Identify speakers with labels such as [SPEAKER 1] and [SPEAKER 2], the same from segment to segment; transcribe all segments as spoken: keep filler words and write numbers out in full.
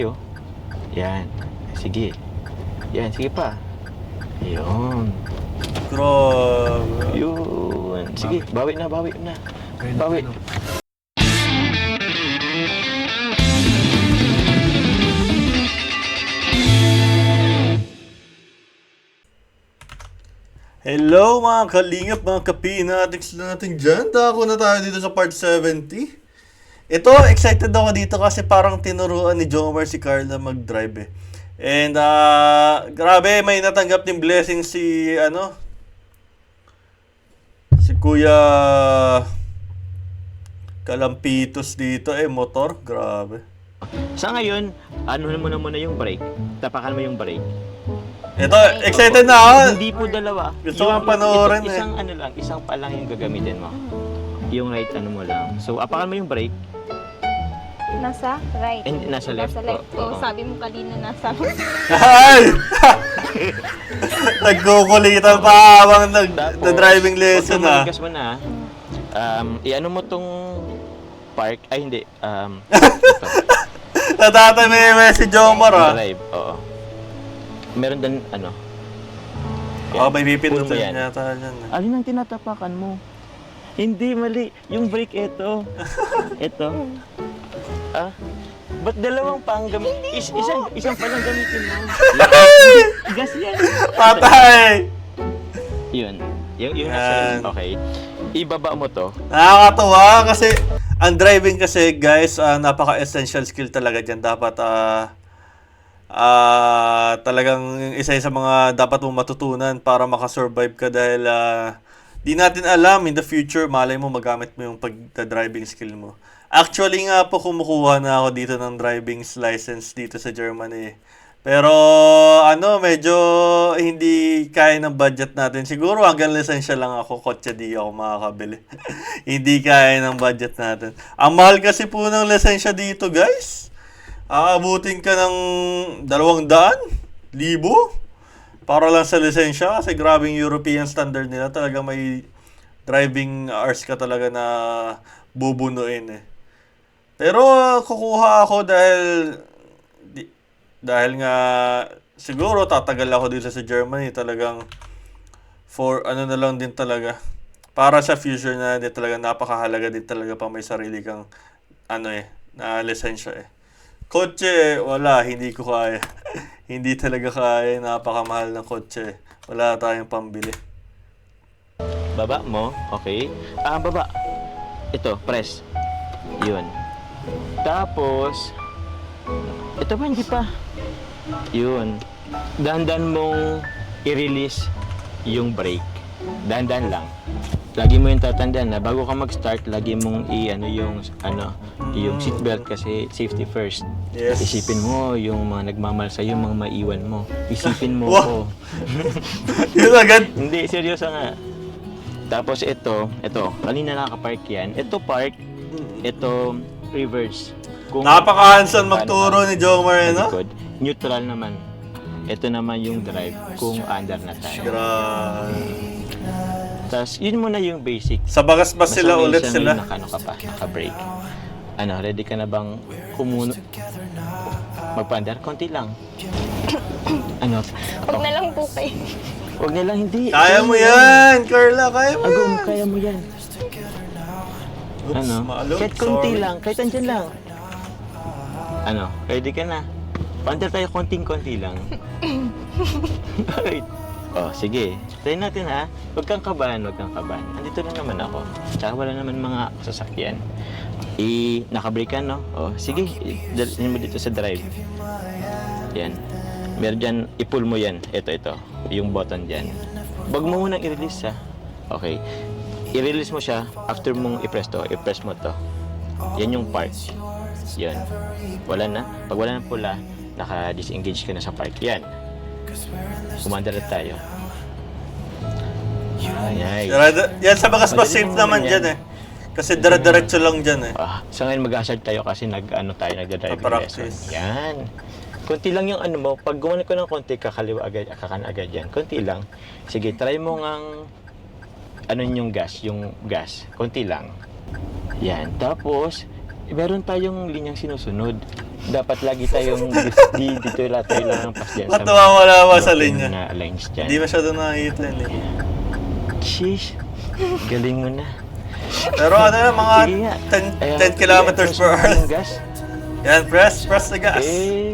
[SPEAKER 1] Yo. Yan. Sige. Yan, sige pa. Yun.
[SPEAKER 2] Grabe.
[SPEAKER 1] Yun. Sige, bawi na, bawi na. Bawi.
[SPEAKER 2] Hello mga kalingap, mga kapinatics na natin dyan. Dako na tayo dito sa part seventy. Ito, excited ako dito kasi parang tinuruan ni Jomar si Carla mag-drive eh. And ah, grabe, may natanggap ng blessing si ano si Kuya Kalampitos dito eh, motor. Grabe.
[SPEAKER 1] Sa ngayon, ano mo na muna yung brake. Tapakan mo yung brake.
[SPEAKER 2] Ito, excited na ako.
[SPEAKER 1] Hindi po dalawa.
[SPEAKER 2] Gusto kong panoorin
[SPEAKER 1] ito,
[SPEAKER 2] eh.
[SPEAKER 1] Isang ano lang, isang pa lang yung gagamitin mo. Yung right ano mo lang. So, apakan mo yung brake.
[SPEAKER 3] Nasa right.
[SPEAKER 1] And nasa left.
[SPEAKER 3] Nasa left.
[SPEAKER 1] Oo.
[SPEAKER 3] Oh, sabi mo kanina nasa
[SPEAKER 2] Ay! Nagkukulitan pa habang nag,
[SPEAKER 1] Tapos,
[SPEAKER 2] driving lesson ah.
[SPEAKER 1] Pag mo na, um, i-ano mo tong park, ay hindi, um,
[SPEAKER 2] Natatanay si Jomar ah.
[SPEAKER 1] drive, oo. Meron din, ano,
[SPEAKER 2] Oh, may
[SPEAKER 1] Puno mo
[SPEAKER 2] pipindutan
[SPEAKER 1] yan.
[SPEAKER 2] yata yan. eh.
[SPEAKER 1] alin ang tinatapakan mo? Hindi, mali. Yung brake, ito. Ito. Ah? Ba't dalawang pang gamit? Is, isang, isang pa lang gamitin mo. Gas yan.
[SPEAKER 2] Patay!
[SPEAKER 1] Yun. Yung, yung
[SPEAKER 2] Yan.
[SPEAKER 1] nasa, okay. Ibaba mo to.
[SPEAKER 2] Nakakatuwa kasi ang driving kasi guys, ah, napaka-essential skill talaga dyan. Dapat ah ah, talagang isa sa mga dapat mong matutunan para makasurvive ka dahil ah, di natin alam in the future, malay mo magamit mo yung pag-driving skill mo. Actually nga po kumukuha na ako dito ng driving license dito sa Germany. Pero ano, medyo hindi kaya ng budget natin. Siguro hanggang lisensya lang ako, kotse di ako makakabili. Hindi kaya ng budget natin. Ang mahal kasi po ng lisensya dito, guys. Aabutin ka ng dalawang daan, libo, para lang sa lisensya. Kasi grabing European standard nila. Talaga may driving hours ka talaga na bubunuin eh. Pero kukuha ako dahil di, dahil nga siguro tatagal ako dito sa Germany talagang for ano na lang din talaga para sa future na din talaga napakahalaga din talaga pa may sarili kang ano eh na lisensya eh. Kotse wala, hindi ko kaya. Hindi talaga kaya, napakamahal ng kotse. Wala tayong pambili.
[SPEAKER 1] Baba mo. Okay. Ah, baba. Ito, press. Yun. Tapos, ito pa, hindi pa. Yun. Dahan-dahan mong i-release yung brake. Dahan-dahan lang. Lagi mo yung tatandaan na bago ka mag-start, lagi mong i-ano yung ano, yung seatbelt kasi safety first.
[SPEAKER 2] Yes.
[SPEAKER 1] Isipin mo yung mga nagmamahal sa yung mga maiwan mo. Isipin mo
[SPEAKER 2] Wow.
[SPEAKER 1] ko.
[SPEAKER 2] Yun agad.
[SPEAKER 1] Hindi, seryoso nga. Tapos ito, ito, kanina nakapark yan. Ito park, ito reverse. Kung
[SPEAKER 2] Napaka-handsome
[SPEAKER 1] paano
[SPEAKER 2] magturo
[SPEAKER 1] ka
[SPEAKER 2] ni Jomar eh, no?
[SPEAKER 1] malikod, neutral naman. Ito naman yung drive kung under na tayo.
[SPEAKER 2] Grabe.
[SPEAKER 1] Tapos yun muna yung basic.
[SPEAKER 2] Sa bagas ba sila
[SPEAKER 1] Basta may
[SPEAKER 2] ulit
[SPEAKER 1] isa
[SPEAKER 2] sila?
[SPEAKER 1] may Naka, ano ka pa, naka-brake. Ano, ready ka na bang kumuno? Magpa-under? Konti lang. Ano?
[SPEAKER 3] Huwag na lang po kayo.
[SPEAKER 1] Huwag na lang, hindi.
[SPEAKER 2] Kaya mo yan, Carla. Kaya mo
[SPEAKER 1] Agum,
[SPEAKER 2] yan.
[SPEAKER 1] kaya mo yan.
[SPEAKER 2] Oops,
[SPEAKER 1] Ano?
[SPEAKER 2] maalog.
[SPEAKER 1] Kahit konti
[SPEAKER 2] Sorry.
[SPEAKER 1] lang, kahit andyan lang. Ano, ready ka na? Pander tayo konting-konti lang. Bakit? Oh, sige. Try natin ha. Huwag kang kabahan, huwag kang kabahan. Andito na naman ako. Tsaka wala naman mga sasakyan. I, nakabrake ka, no? Oh, sige. Dalhin mo dito sa drive. Yan. Meron dyan, i-pull mo yan. Ito, ito. Yung button dyan. Huwag mo munang i-release ha. Okay. I-release mo siya after mong i-press to. I-press mo to. Yan yung park. Yan. Wala na. Pag wala na pula, naka-disengage ka na sa park. Yan. Kumanda na tayo. Ay, ay.
[SPEAKER 2] Yan, yan sa bagas ba
[SPEAKER 1] Madali
[SPEAKER 2] safe
[SPEAKER 1] naman
[SPEAKER 2] naman
[SPEAKER 1] yan.
[SPEAKER 2] dyan eh. Kasi dire-diretso lang dyan eh.
[SPEAKER 1] Ah, sa ngayon mag-hazard tayo kasi nag-ano tayo, nagda-driving lesson.
[SPEAKER 2] Pa-practice.
[SPEAKER 1] Yan. Konti lang yung ano mo. Pag gumawa ko ng konti, kakaliwa agad, kakan agad yan. Konti lang. Sige, try mo ngang ano yung gas, yung gas. Konti lang. Yan. Tapos, meron tayong linyang sinusunod. dapat lagi tayong di dito lahat tayo lang ang pas dyan
[SPEAKER 2] Ba't nawawala ba sa
[SPEAKER 1] broken
[SPEAKER 2] linya?
[SPEAKER 1] na lines dyan.
[SPEAKER 2] Hindi masyado nakikita yun eh.
[SPEAKER 1] Sheesh, galing mo na.
[SPEAKER 2] Pero ano na, mga
[SPEAKER 1] Sige nga.
[SPEAKER 2] ten,
[SPEAKER 1] Ayan,
[SPEAKER 2] ten kilometers per
[SPEAKER 1] i-press mo
[SPEAKER 2] hour.
[SPEAKER 1] yung gas.
[SPEAKER 2] Yan, press, press the gas.
[SPEAKER 1] Eh,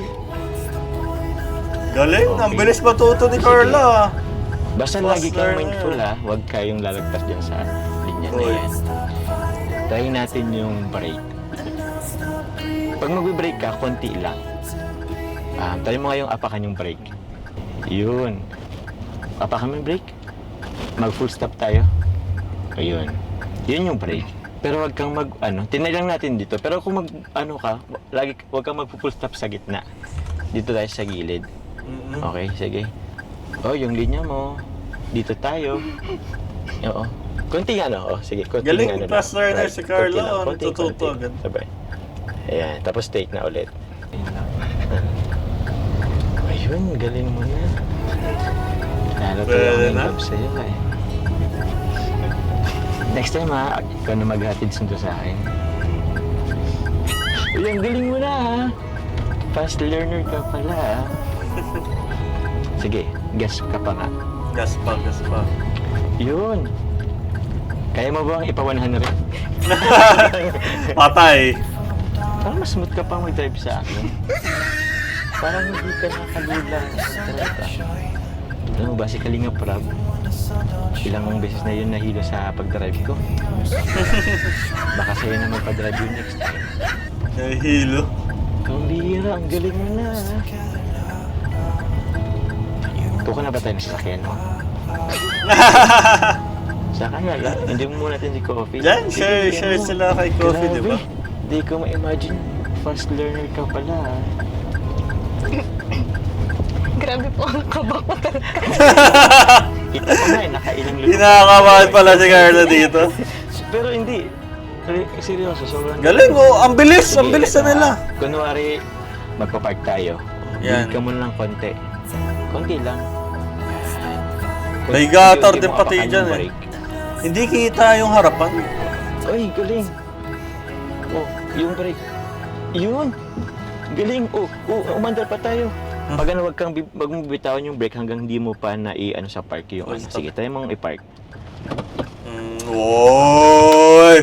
[SPEAKER 2] Galing, ang
[SPEAKER 1] Okay.
[SPEAKER 2] bilis matuto ni Carla.
[SPEAKER 1] basta
[SPEAKER 2] Fast
[SPEAKER 1] lagi kang
[SPEAKER 2] learner.
[SPEAKER 1] mindful ha, huwag kayong lalagpas dyan sa linya na
[SPEAKER 2] Uy.
[SPEAKER 1] yan. Try natin yung brake. Pag mag-brake ka, konti lang. Ah, try mo nga yung apakan yung brake. Yun. Apakan mo yung brake. Mag full stop tayo. Ayun. Yun yung brake. Pero wag kang mag, ano, tinay lang natin dito. Pero kung mag, ano ka, lagi, wag kang mag full stop sa gitna. Dito tayo sa gilid.
[SPEAKER 2] Mm-mm.
[SPEAKER 1] Okay, sige. Oh, yung linya mo. Dito tayo. Oo. Konting ano, oh, sige. Konting
[SPEAKER 2] Galing,
[SPEAKER 1] ano
[SPEAKER 2] fast learner si Carlo,
[SPEAKER 1] konti lang,
[SPEAKER 2] oh,
[SPEAKER 1] konti,
[SPEAKER 2] natututo
[SPEAKER 1] konti.
[SPEAKER 2] agad.
[SPEAKER 1] Sabay. Ayan, tapos take na ulit. Ayun, galing mo na. Lalo to
[SPEAKER 2] Pwede
[SPEAKER 1] lang yung
[SPEAKER 2] na?
[SPEAKER 1] love sa'yo eh. Next time ha, ikaw na maghatid sundo sa akin. Uy, ang galing mo na ha. Fast learner ka pala ha. Sige, gas ka pa nga.
[SPEAKER 2] Gas pa, gas pa.
[SPEAKER 1] Yun. Kaya mo bang ipa one hundred?
[SPEAKER 2] Patay.
[SPEAKER 1] Parang mas smooth ka pa mag-drive sa akin. Parang hindi ka nakalula sa drive. Alam mo ba, si Kalinga Prab, ilang beses na yun nahilo sa pag-drive ko. Baka sa'yo na magpa-drive yun next time.
[SPEAKER 2] Nahihilo.
[SPEAKER 1] Ang bihira, ang galing mo na. Kuha na ba tayo ng sasakyan mo? Saka na lang, hindi mo muna natin si Coffee.
[SPEAKER 2] Yan,
[SPEAKER 1] Sige,
[SPEAKER 2] share,
[SPEAKER 1] bigyan
[SPEAKER 2] share
[SPEAKER 1] mo.
[SPEAKER 2] sila kay Coffee, di ba?
[SPEAKER 1] Grabe, Di ko ma-imagine, fast learner ka pala. ah.
[SPEAKER 3] Grabe po ang kaba ko talaga.
[SPEAKER 1] Ito pa nga eh, nakailang lupa.
[SPEAKER 2] Kinakabahan pala si Carla dito.
[SPEAKER 1] Pero hindi. Re- Seryoso, sobrang...
[SPEAKER 2] Galing, oh, ang bilis, ang
[SPEAKER 1] Sige,
[SPEAKER 2] bilis na
[SPEAKER 1] ito,
[SPEAKER 2] nila.
[SPEAKER 1] ah. Kunwari, magpapark tayo.
[SPEAKER 2] Yan.
[SPEAKER 1] Bigyan ka mo lang konti. Konti lang.
[SPEAKER 2] May gutter
[SPEAKER 1] Unti-unti
[SPEAKER 2] din
[SPEAKER 1] mo
[SPEAKER 2] pati
[SPEAKER 1] apakan
[SPEAKER 2] dyan
[SPEAKER 1] yung
[SPEAKER 2] eh.
[SPEAKER 1] brake.
[SPEAKER 2] Hindi kita yung harapan.
[SPEAKER 1] Ay, galing. Oh, yung brake. Yun. Galing. Oh, oh umandar pa tayo.
[SPEAKER 2] Hmm.
[SPEAKER 1] Pag ano, wag kang bi- wag mo bitawan yung brake hanggang di mo pa na i-ano sa park yung
[SPEAKER 2] Oh,
[SPEAKER 1] ano.
[SPEAKER 2] stop.
[SPEAKER 1] Sige, tayo mong i-park.
[SPEAKER 2] Mm, oy!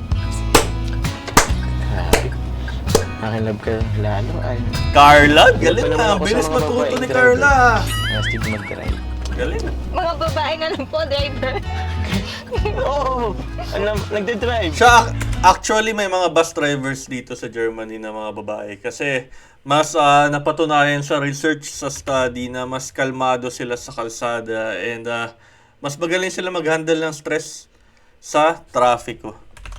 [SPEAKER 1] Grabe. Nakalab ka lalo ay.
[SPEAKER 2] Carla,
[SPEAKER 1] Iba
[SPEAKER 2] galing
[SPEAKER 1] naman
[SPEAKER 2] na.
[SPEAKER 1] ako
[SPEAKER 2] Ang
[SPEAKER 1] sa
[SPEAKER 2] bilis
[SPEAKER 1] mga
[SPEAKER 2] matuto
[SPEAKER 1] babaeng
[SPEAKER 2] ni
[SPEAKER 1] driver.
[SPEAKER 2] Carla.
[SPEAKER 1] Nastig mag-drive.
[SPEAKER 2] Galing.
[SPEAKER 3] Mga babae nga lang po, driver.
[SPEAKER 1] Oo! Alam, nagde-drive.
[SPEAKER 2] Siya, actually, may mga bus drivers dito sa Germany na mga babae. Kasi, mas ah, napatunayan sa research, sa study, na mas kalmado sila sa kalsada. And, ah, mas magaling sila mag-handle ng stress sa trafiko.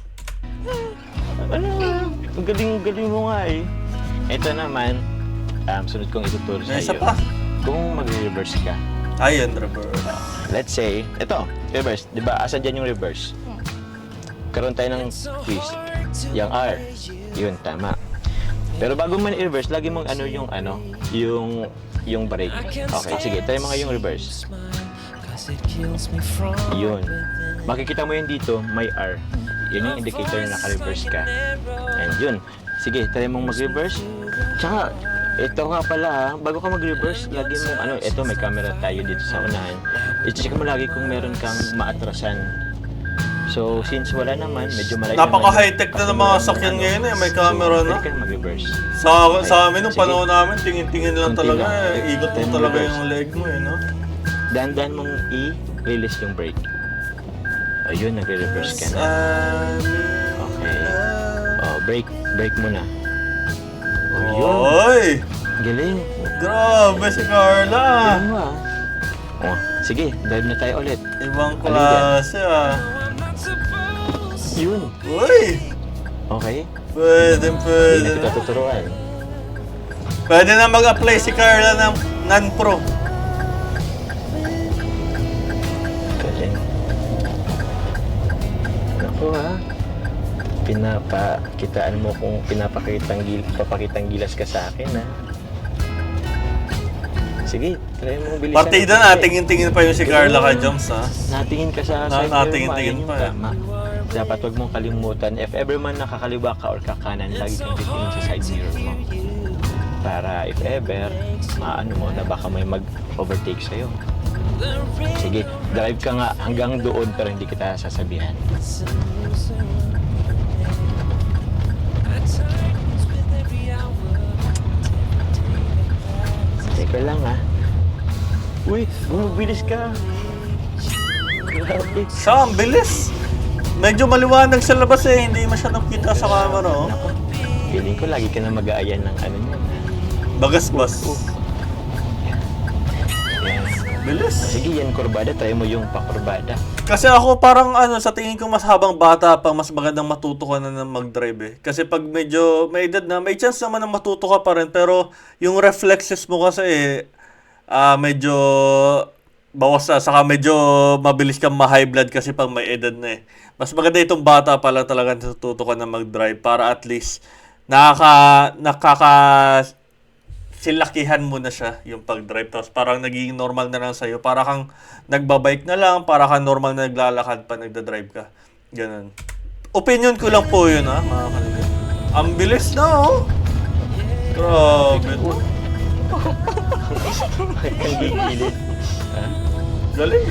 [SPEAKER 1] Ano? Ang galing-galing mo nga eh. Ito naman, um, sunod kong ituturo sa
[SPEAKER 2] May isa
[SPEAKER 1] iyo.
[SPEAKER 2] pa.
[SPEAKER 1] Kung mag-reverse ka.
[SPEAKER 2] Ayun, reverse.
[SPEAKER 1] Let's say, ito, reverse. Di ba? Asan dyan yung reverse? Karoon tayo ng twist. Yung R. Yun, tama. Pero bago man i-reverse, lagi mong ano yung ano, yung yung brake. Okay, sige, tayo mga yung reverse. Yun. Makikita mo yun dito, may R. Yun yung indicator na naka-reverse ka. And yun. Sige, try mong mag-reverse. Tsaka, ito nga pala ha, bago ka mag-reverse, lagi mo, ano, ito may camera tayo dito sa unahan. I-check mo lagi kung meron kang maatrasan. So, since wala naman, medyo malayo
[SPEAKER 2] Napaka-high-tech na ng mga sakyan ngayon eh, may camera
[SPEAKER 1] so,
[SPEAKER 2] na.
[SPEAKER 1] pwede ka mag-reverse.
[SPEAKER 2] Sa, sa amin, nung
[SPEAKER 1] Sige.
[SPEAKER 2] panahon namin, tingin-tingin lang
[SPEAKER 1] Konti
[SPEAKER 2] talaga.
[SPEAKER 1] lang.
[SPEAKER 2] Eh. Ikot mo
[SPEAKER 1] Time
[SPEAKER 2] talaga
[SPEAKER 1] reverse.
[SPEAKER 2] yung leg mo eh, no?
[SPEAKER 1] Dahan-dahan mong i-release yung brake. Ayun, nagre-reverse ka na. Okay. Oh, brake, brake mo na. Oh, yun.
[SPEAKER 2] Oy!
[SPEAKER 1] Galing.
[SPEAKER 2] Grabe si Carla!
[SPEAKER 1] Galing mo ah. Oh, sige, drive na tayo ulit.
[SPEAKER 2] Ibang
[SPEAKER 1] Alin yan?
[SPEAKER 2] klase ah.
[SPEAKER 1] Yun.
[SPEAKER 2] Uy!
[SPEAKER 1] Okay.
[SPEAKER 2] Pwede,
[SPEAKER 1] Hindi
[SPEAKER 2] pwede
[SPEAKER 1] na kita
[SPEAKER 2] na.
[SPEAKER 1] tuturuan.
[SPEAKER 2] Pwede na mag-apply si Carla ng non-pro.
[SPEAKER 1] Galing. Ako ha. Pinapakitaan mo kung pinapakitang gil papakitang gilas ka sa akin ha. Sige, try mo bilisan.
[SPEAKER 2] Partida na, tingin-tingin pa yung si Carla kay Joms ha.
[SPEAKER 1] Natingin ka sa
[SPEAKER 2] Na-
[SPEAKER 1] side mirror mo,
[SPEAKER 2] natingin-tingin
[SPEAKER 1] ayun yung
[SPEAKER 2] pa, eh.
[SPEAKER 1] tama. dapat wag mong kalimutan, if ever man nakakaliwa ka or kakanan, lagi kang titingin sa side mirror mo. Para if ever, maano mo na baka may mag-overtake sa'yo. Sige, drive ka nga hanggang doon pero hindi kita sasabihan. Teka lang ha. Uy, bumabilis ka. Grabe.
[SPEAKER 2] Sa, ang bilis. Medyo maliwanag sa labas eh. Hindi masyadong kita sa camera, oh.
[SPEAKER 1] Naku, feeling ko lagi ka na mag-aayan ng ano niya.
[SPEAKER 2] Bagas-bas.
[SPEAKER 1] Yan.
[SPEAKER 2] Bilis.
[SPEAKER 1] Sige, yan kurbada. Try mo yung pakurbada.
[SPEAKER 2] Kasi ako parang ano, sa tingin ko mas habang bata pa, mas magandang matuto ka na ng mag-drive eh. Kasi pag medyo may edad na, may chance naman na matuto ka pa rin. Pero yung reflexes mo kasi eh, ah, medyo bawas na. Saka medyo mabilis kang ma-high blood kasi pag may edad na eh. Mas maganda itong bata pa lang talaga natututo ka na mag-drive para at least nakaka, nakaka silakihan mo na siya yung pag-drive. Tapos parang nagiging normal na lang sa'yo. Para kang nagbabike na lang, para kang normal na naglalakad pa, nagda-drive ka. Ganun. Opinion ko lang po yun, ha, mga kanigan. Ang bilis na, oh. Grabe.
[SPEAKER 1] Ang gigilid. Ha?
[SPEAKER 2] Galing.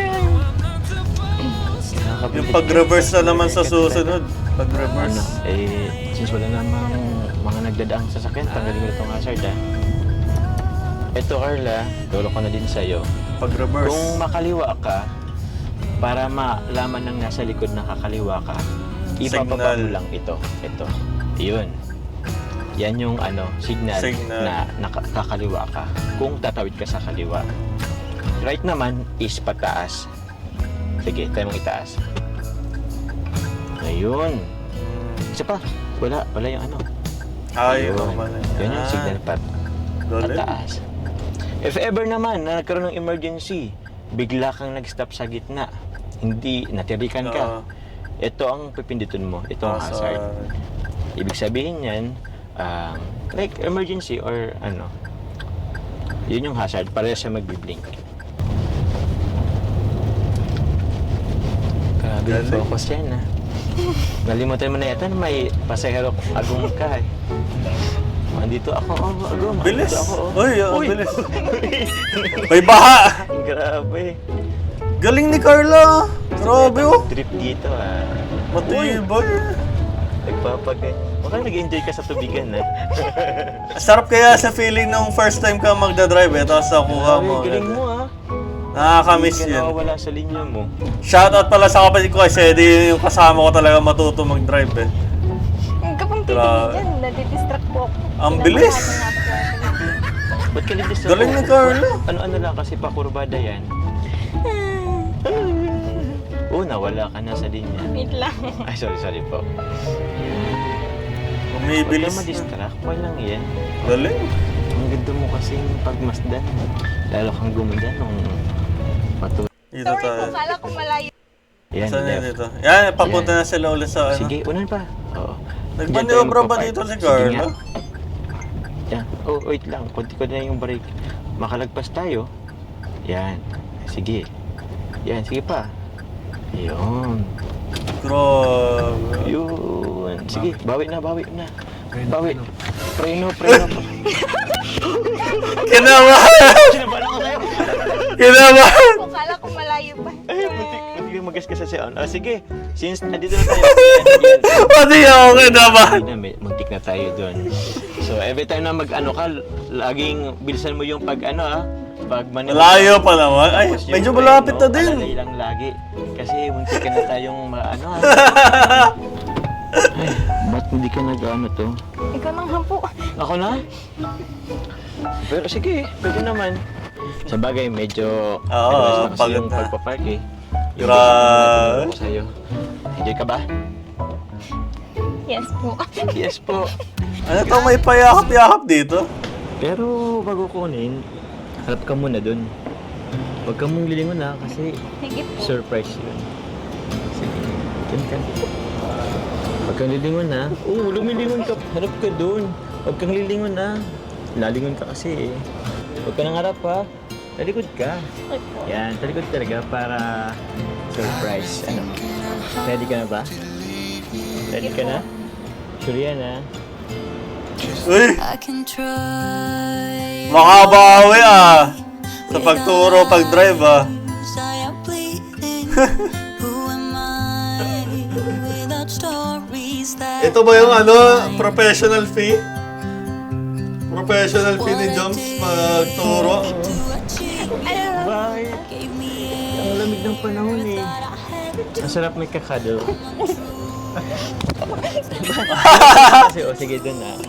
[SPEAKER 2] Yung pag-reverse na naman sa susunod.
[SPEAKER 1] Ano,
[SPEAKER 2] Pag-reverse.
[SPEAKER 1] eh, since wala namang mga nagdadaang sasakyan, tanggalin mo itong hazard, ha? Ito, Carla, lolo ko na din sa'yo.
[SPEAKER 2] Pag-reverse.
[SPEAKER 1] Kung makaliwa ka, para malaman ng nasa likod na kakaliwa ka, ipapapa
[SPEAKER 2] Signal.
[SPEAKER 1] mo lang ito. Ito. Yun. Yan yung ano, signal,
[SPEAKER 2] Signal.
[SPEAKER 1] na nakakaliwa ka. Kung tatawid ka sa kaliwa. Right naman is pataas. Sige, tayo mong itaas. Ayun. Isa pa. Wala. Wala yung ano.
[SPEAKER 2] Ay,
[SPEAKER 1] Ayun.
[SPEAKER 2] normal na
[SPEAKER 1] Yan yung signal pat.
[SPEAKER 2] Galing.
[SPEAKER 1] Pataas. If ever naman na nagkaroon ng emergency, bigla kang nag-stop sa gitna, hindi, natirikan ka,
[SPEAKER 2] Oo.
[SPEAKER 1] ito ang pipindutin mo, ito ang
[SPEAKER 2] Ah,
[SPEAKER 1] hazard.
[SPEAKER 2] sa-
[SPEAKER 1] Ibig sabihin yan, um, like emergency or ano, yun yung hazard, para siya magbiblink. Grabe yung
[SPEAKER 2] Galing.
[SPEAKER 1] focus yan, ha. Nalimutan mo na yata na may pasahero agong ka, eh. Andito ako, oh, agong.
[SPEAKER 2] Bilis.
[SPEAKER 1] Andito ako, oh.
[SPEAKER 2] Uy, ang bilis. May baha.
[SPEAKER 1] Grabe.
[SPEAKER 2] Galing ni Carla. Grabe, oh.
[SPEAKER 1] Trip dito, ah.
[SPEAKER 2] Matibay.
[SPEAKER 1] Nagpapagay. Baka nag-enjoy ka sa tubigan, ha?
[SPEAKER 2] Sarap kaya sa feeling nung first time ka magdadrive eh, tapos nakuha mo.
[SPEAKER 1] Galing mo, ha?
[SPEAKER 2] Nakakamiss
[SPEAKER 1] Hindi ka
[SPEAKER 2] yun.
[SPEAKER 1] nawawala sa linya mo.
[SPEAKER 2] Shoutout pala sa kapatid ko kasi di yung kasama ko talaga matuto mag-drive eh.
[SPEAKER 3] Kapag
[SPEAKER 2] Grabe.
[SPEAKER 3] titigil yan, nadidistract po ako.
[SPEAKER 2] Ang bilis.
[SPEAKER 1] Ba't ka nito sa...
[SPEAKER 2] Galing ni Carla.
[SPEAKER 1] Ano-ano lang kasi pakurbada yan. Oo, nawala ka na sa linya.
[SPEAKER 3] Wait lang.
[SPEAKER 1] Ay, sorry, sorry po. Huwag
[SPEAKER 2] Umibilis
[SPEAKER 1] ka
[SPEAKER 2] na.
[SPEAKER 1] madistract. Walang yan.
[SPEAKER 2] Galing.
[SPEAKER 1] Ang ganda mo kasing pagmasdan. Lalo kang gumanda nung patu...
[SPEAKER 2] Dito
[SPEAKER 3] Sorry
[SPEAKER 2] tayo.
[SPEAKER 3] po, kala ko malayo.
[SPEAKER 1] Yan,
[SPEAKER 2] Saan yun
[SPEAKER 1] left.
[SPEAKER 2] dito? Yan, papunta
[SPEAKER 1] Yan.
[SPEAKER 2] na sila ulit sa ano.
[SPEAKER 1] Sige, unan pa. Oo.
[SPEAKER 2] Nagmaniobra ba
[SPEAKER 1] Diyan tayo
[SPEAKER 2] dito si
[SPEAKER 1] magpapark. Sige
[SPEAKER 2] Carla?
[SPEAKER 1] nga. Yan. Oh, wait lang. Kunti ko na yung brake. Makalagpas tayo. Yan. Sige. Yan, sige pa. Yun.
[SPEAKER 2] Grabe.
[SPEAKER 1] Yun. Sige, bawi na, bawi na. Bawi. Preno, preno.
[SPEAKER 2] Kinabahan!
[SPEAKER 1] Sinabahan ako sa'yo.
[SPEAKER 2] Kinabahan!
[SPEAKER 3] Po, kala ko malayo pa.
[SPEAKER 1] Ay, muntik, muntik yung magas ka sa sound. Ah, sige. Since nandito na tayo. Yan, yan.
[SPEAKER 2] Pati ako kinabahan.
[SPEAKER 1] Hindi na, may- muntik na tayo doon. So, every time na mag-ano ka, laging bilisan mo yung pag ano ah. Pag manila.
[SPEAKER 2] Malayo pa naman. Ay,
[SPEAKER 1] Tapos yung
[SPEAKER 2] medyo
[SPEAKER 1] preno,
[SPEAKER 2] malapit na din.
[SPEAKER 1] alalay lang lagi. Kasi muntik ka na tayong maano ah. Ay, ba't hindi ka nag-ano to?
[SPEAKER 3] Ikaw nang hampo.
[SPEAKER 1] Ako na? Pero sige, pwede naman. Sa bagay, medyo...
[SPEAKER 2] Oo,
[SPEAKER 1] advance na kasi
[SPEAKER 2] pagod
[SPEAKER 1] yung
[SPEAKER 2] na.
[SPEAKER 1] pagpapark eh. Yung
[SPEAKER 2] Grabe.
[SPEAKER 1] ako sa'yo. Enjoy ka ba?
[SPEAKER 3] Yes po.
[SPEAKER 1] Yes po.
[SPEAKER 2] Ano to, may payakap-yakap dito?
[SPEAKER 1] Pero bago kunin, harap ka muna dun. Huwag ka mong lilingon na kasi
[SPEAKER 3] Sige po.
[SPEAKER 1] surprise yun. Sige, dun ka. Huwag kang lilingon na. Oo, lumilingon ka. Harap ka dun. Huwag kang lilingon na. Lalingon ka kasi eh. Huwag ka nang harap ha. Talikod ka.
[SPEAKER 3] Okay po.
[SPEAKER 1] Yan, talikod talaga para surprise. Ano? Ready ka na ba? Ready ka na? Sure yan ha?
[SPEAKER 2] Uy!
[SPEAKER 4] I can try.
[SPEAKER 2] Makabawi ah! Sa pagturo, pag-drive ah.
[SPEAKER 4] I am bleeding. Who am I without stories that
[SPEAKER 2] Ito ba yung ano, professional fee? Professional fee ni Joms magturo?
[SPEAKER 4] to achieve
[SPEAKER 1] Bakit?
[SPEAKER 4] gave me
[SPEAKER 1] Ang lamig ng panahon eh. Ang sarap may kakado. Kasi, o sige dun na.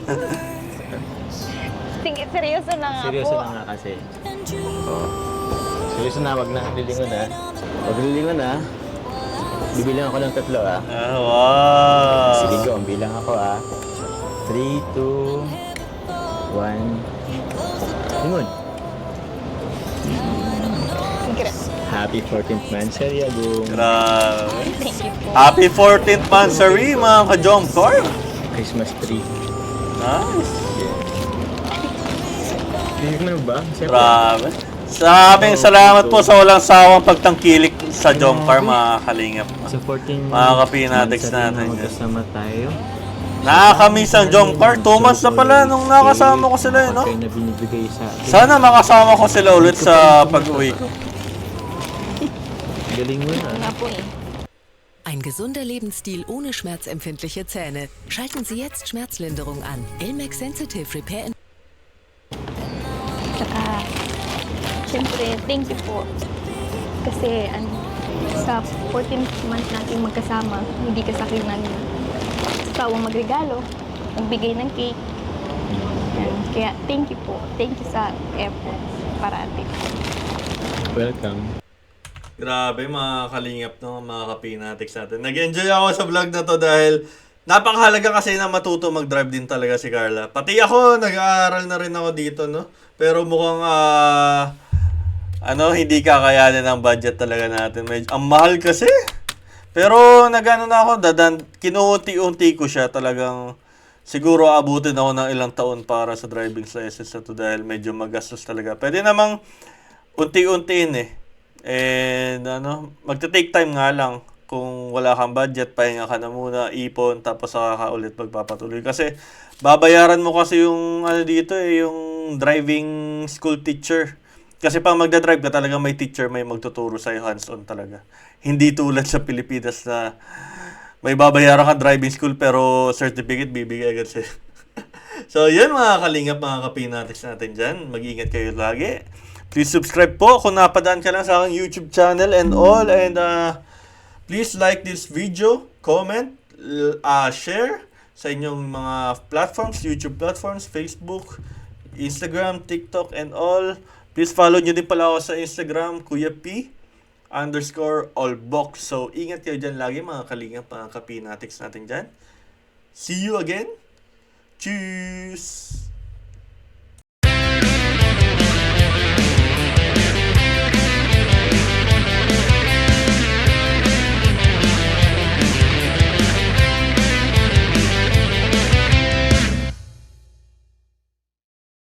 [SPEAKER 3] Sige, seryoso na nga
[SPEAKER 1] Seryoso
[SPEAKER 3] po.
[SPEAKER 1] na nga kasi. Oh. Seryoso na, wag na. Lilingon na. Wag lilingon na. Bibilang ako ng tatlo ah.
[SPEAKER 2] Ah, wow!
[SPEAKER 1] Sige go, ang bilang ako ah. three, two, one. Lingon.
[SPEAKER 3] Sige.
[SPEAKER 1] Happy fourteenth Mansaria, boom.
[SPEAKER 2] Grabe.
[SPEAKER 3] Thank you po.
[SPEAKER 2] Happy fourteenth Mansari, mga ka-Jomcar!
[SPEAKER 1] Christmas tree.
[SPEAKER 2] Nice!
[SPEAKER 1] Hindi mo ba? Siyempre.
[SPEAKER 2] Grabe. Sabing salamat po sa walang sawang pagtangkilik sa Jomcar, mga kalingap.
[SPEAKER 1] Sa fourteen
[SPEAKER 2] Mga kapinatics
[SPEAKER 1] Mansaria
[SPEAKER 2] natin
[SPEAKER 1] na
[SPEAKER 2] yan.
[SPEAKER 1] magkasama tayo.
[SPEAKER 2] Nakakamiss ang Jomcar. Two months na pala nung nakasama ko sila, eh, no?
[SPEAKER 1] Pagkain na binibigay sa akin.
[SPEAKER 2] Sana makasama ko sila ulit sa pag-uwi ko.
[SPEAKER 1] Galing mo na.
[SPEAKER 3] Nga po eh.
[SPEAKER 5] Ein gesunder Lebensstil ohne schmerzempfindliche Zähne. Schalten Sie jetzt Schmerzlinderung an. Elmex Sensitive Repair.
[SPEAKER 3] Saka, syempre, thank you po. Kasi, ano, sa fourteenth month natin magkasama, hindi ka sa akin ng sawang magregalo, magbigay ng cake. Yan. Kaya, thank you po. Thank you sa effort parati.
[SPEAKER 1] Welcome.
[SPEAKER 2] Grabe mga kalingap no, mga kapinatics natin. Nag-enjoy ako sa vlog na to dahil napakahalaga kasi na matuto mag-drive din talaga si Carla. Pati ako, nag-aaral na rin ako dito, no? Pero mukhang, ah, ano, hindi kakayanin ang budget talaga natin. Medyo, ang mahal kasi. Pero nagano na ako, dadan, kinuunti-unti ko siya talagang siguro abutin ako ng ilang taon para sa driving license na to dahil medyo magastos talaga. Pwede namang unti-untiin eh. And ano, magta-take time nga lang. Kung wala kang budget, pahinga ka na muna, ipon, tapos saka ka ulit magpapatuloy. Kasi babayaran mo kasi yung ano dito eh, yung driving school teacher. Kasi pag magdadrive ka talaga may teacher, may magtuturo sa'yo hands-on talaga. Hindi tulad sa Pilipinas na may babayaran ka driving school pero certificate bibigay agad sa'yo. So yun mga kalingap, mga kapinatics natin dyan. Mag-iingat kayo lagi. Please subscribe po kung napadaan ka lang sa aking YouTube channel and all. And uh, please like this video, comment, uh, share sa inyong mga platforms, YouTube platforms, Facebook, Instagram, TikTok, and all. Please follow nyo din pala ako sa Instagram, Kuya P underscore allbox. So, ingat kayo dyan lagi mga kalingap, mga kapinatics natin dyan. See you again. Cheers!